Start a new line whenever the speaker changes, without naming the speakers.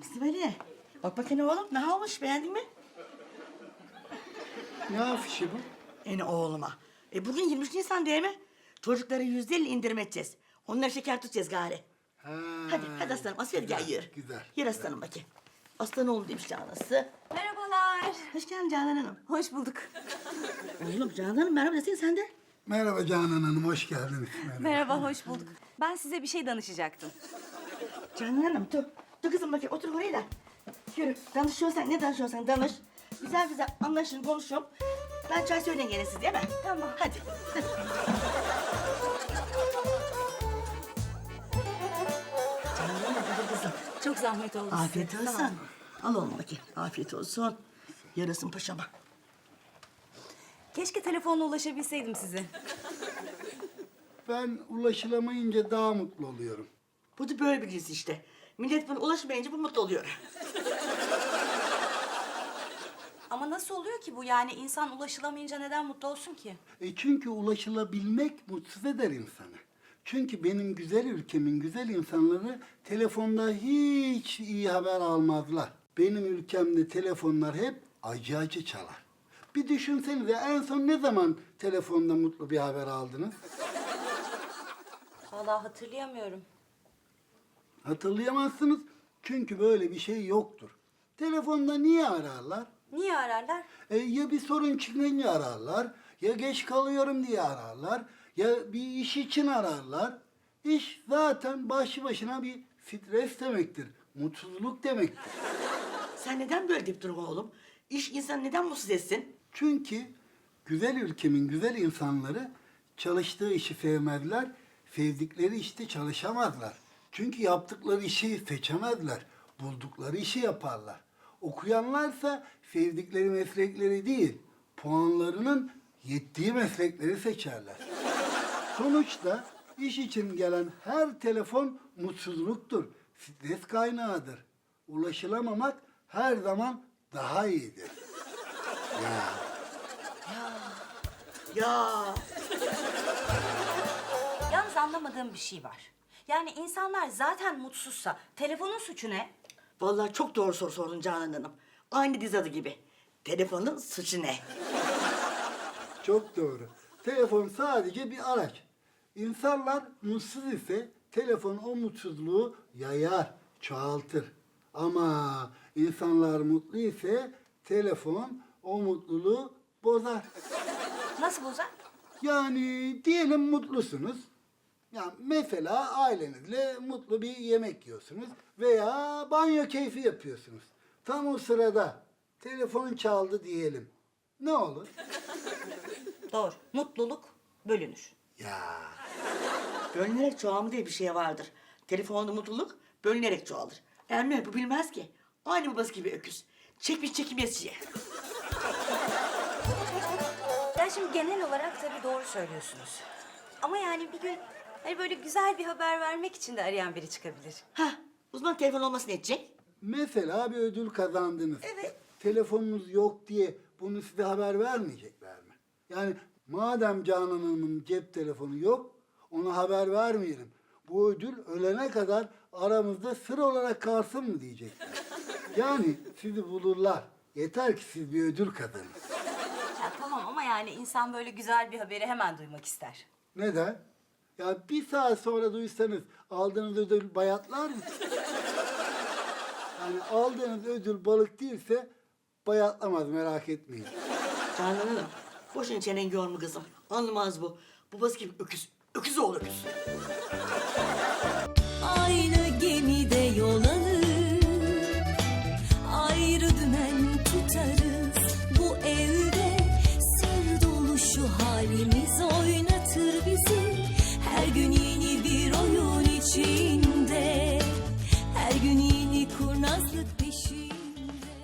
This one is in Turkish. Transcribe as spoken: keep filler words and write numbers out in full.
İsmail'e bak bakayım oğlum ne olmuş beğendin mi?
Ne afişi bu?
Yani oğluma. E bugün yirmi üç Nisan değil mi? Çocuklara yüzde elli indirim edeceğiz. Onlara şeker tutacağız gari.
Ha,
Hadi hadi aslanım asıl gel
güzel,
yürü.
Güzel.
Yürü aslanım bakayım. Aslan oğlum demiş Canan'sı.
Merhabalar.
Hoş geldin Canan Hanım.
Hoş bulduk.
Oğlum Canan Hanım merhaba desene sen de.
Merhaba Canan Hanım, hoş geldiniz. Merhaba.
Merhaba, hoş bulduk. Ben size bir şey danışacaktım.
Canan Hanım dur. Dur kızım bakayım otur oraya da. Yürü danışıyorsan ne danışıyorsan danış. Güzel güzel anlaşın konuşun. Ben çay söyleyin gene siz değil mi?
Tamam.
Hadi. Canan Hanım hadi kızım.
Çok zahmet oldu size.
Afiyet olsun.
Tamam.
Al oğlum bakayım. Afiyet olsun. Yarasın paşama.
Keşke telefonla ulaşabilseydim size.
Ben ulaşılamayınca daha mutlu oluyorum.
Bu da böyle bir dizi işte. Millet buna ulaşmayınca bu mutlu oluyor.
Ama nasıl oluyor ki bu? Yani insan ulaşılamayınca neden mutlu olsun ki?
E çünkü ulaşılabilmek mutsuz eder insanı. Çünkü benim güzel ülkemin güzel insanları telefonda hiç iyi haber almazlar. Benim ülkemde telefonlar hep acı acı çalar. Bir düşünsenize en son ne zaman telefonda mutlu bir haber aldınız?
Vallahi hatırlayamıyorum.
Hatırlayamazsınız çünkü böyle bir şey yoktur. Telefonda niye ararlar?
Niye ararlar?
E, ya bir sorun çıkınca ararlar, ya geç kalıyorum diye ararlar, ya bir iş için ararlar. İş zaten başlı başına bir stres demektir, mutsuzluk demektir.
Sen neden böyle deyip durma oğlum? İş insanı neden mutsuz etsin?
Çünkü güzel ülkemin güzel insanları çalıştığı işi sevmezler, sevdikleri işte çalışamazlar. Çünkü yaptıkları işi seçemezler, buldukları işi yaparlar. Okuyanlarsa sevdikleri meslekleri değil, puanlarının yettiği meslekleri seçerler. Sonuçta iş için gelen her telefon mutsuzluktur, stres kaynağıdır. Ulaşılamamak her zaman daha iyidir. Ya.
Ya
Yalnız anlamadığım bir şey var. Yani insanlar zaten mutsuzsa telefonun suçu ne?
vallahi çok doğru soru sordun Canan Hanım. Aynı dizi adı gibi. Telefonun suçu ne?
Çok doğru. Telefon sadece bir araç. İnsanlar mutsuz ise telefon o mutsuzluğu yayar, çoğaltır. Ama insanlar mutlu ise telefon o mutluluğu bozar.
Nasıl bozar?
Yani diyelim mutlusunuz. Ya mesela ailenizle mutlu bir yemek yiyorsunuz veya banyo keyfi yapıyorsunuz. Tam o sırada telefon çaldı diyelim. Ne olur?
Doğru. Mutluluk bölünür.
Ya
Bölünerek çoğalma diye bir şey vardır. Telefonda mutluluk bölünerek çoğalır. Ermeni bu bilmez ki. Aynı babası gibi öküz. Çekmiş çekimesiye.
Ya şimdi genel olarak tabii doğru söylüyorsunuz. Ama yani bir gün hani böyle güzel bir haber vermek için de arayan biri çıkabilir.
Hah, uzman telefon olması ne edecek?
mesela bir ödül kazandınız.
Evet.
Telefonunuz yok diye bunu size haber vermeyecekler mi? Yani madem Canan Hanım'ın cep telefonu yok, ona haber vermeyelim. Bu ödül ölene kadar aramızda sır olarak kalsın mı diyecekler. Yani sizi bulurlar. Yeter ki siz bir ödül kazanın.
Ya tamam ama yani insan böyle güzel bir haberi hemen duymak ister.
Neden? Ya bir saat sonra duysanız aldığınız ödül bayatlar mı? Yani aldığınız ödül balık değilse bayatlamaz, merak etmeyin.
Canan Hanım, boşuna çenen yorma kızım. Anlamaz bu. Babası gibi öküz. Öküz oğlu öküz.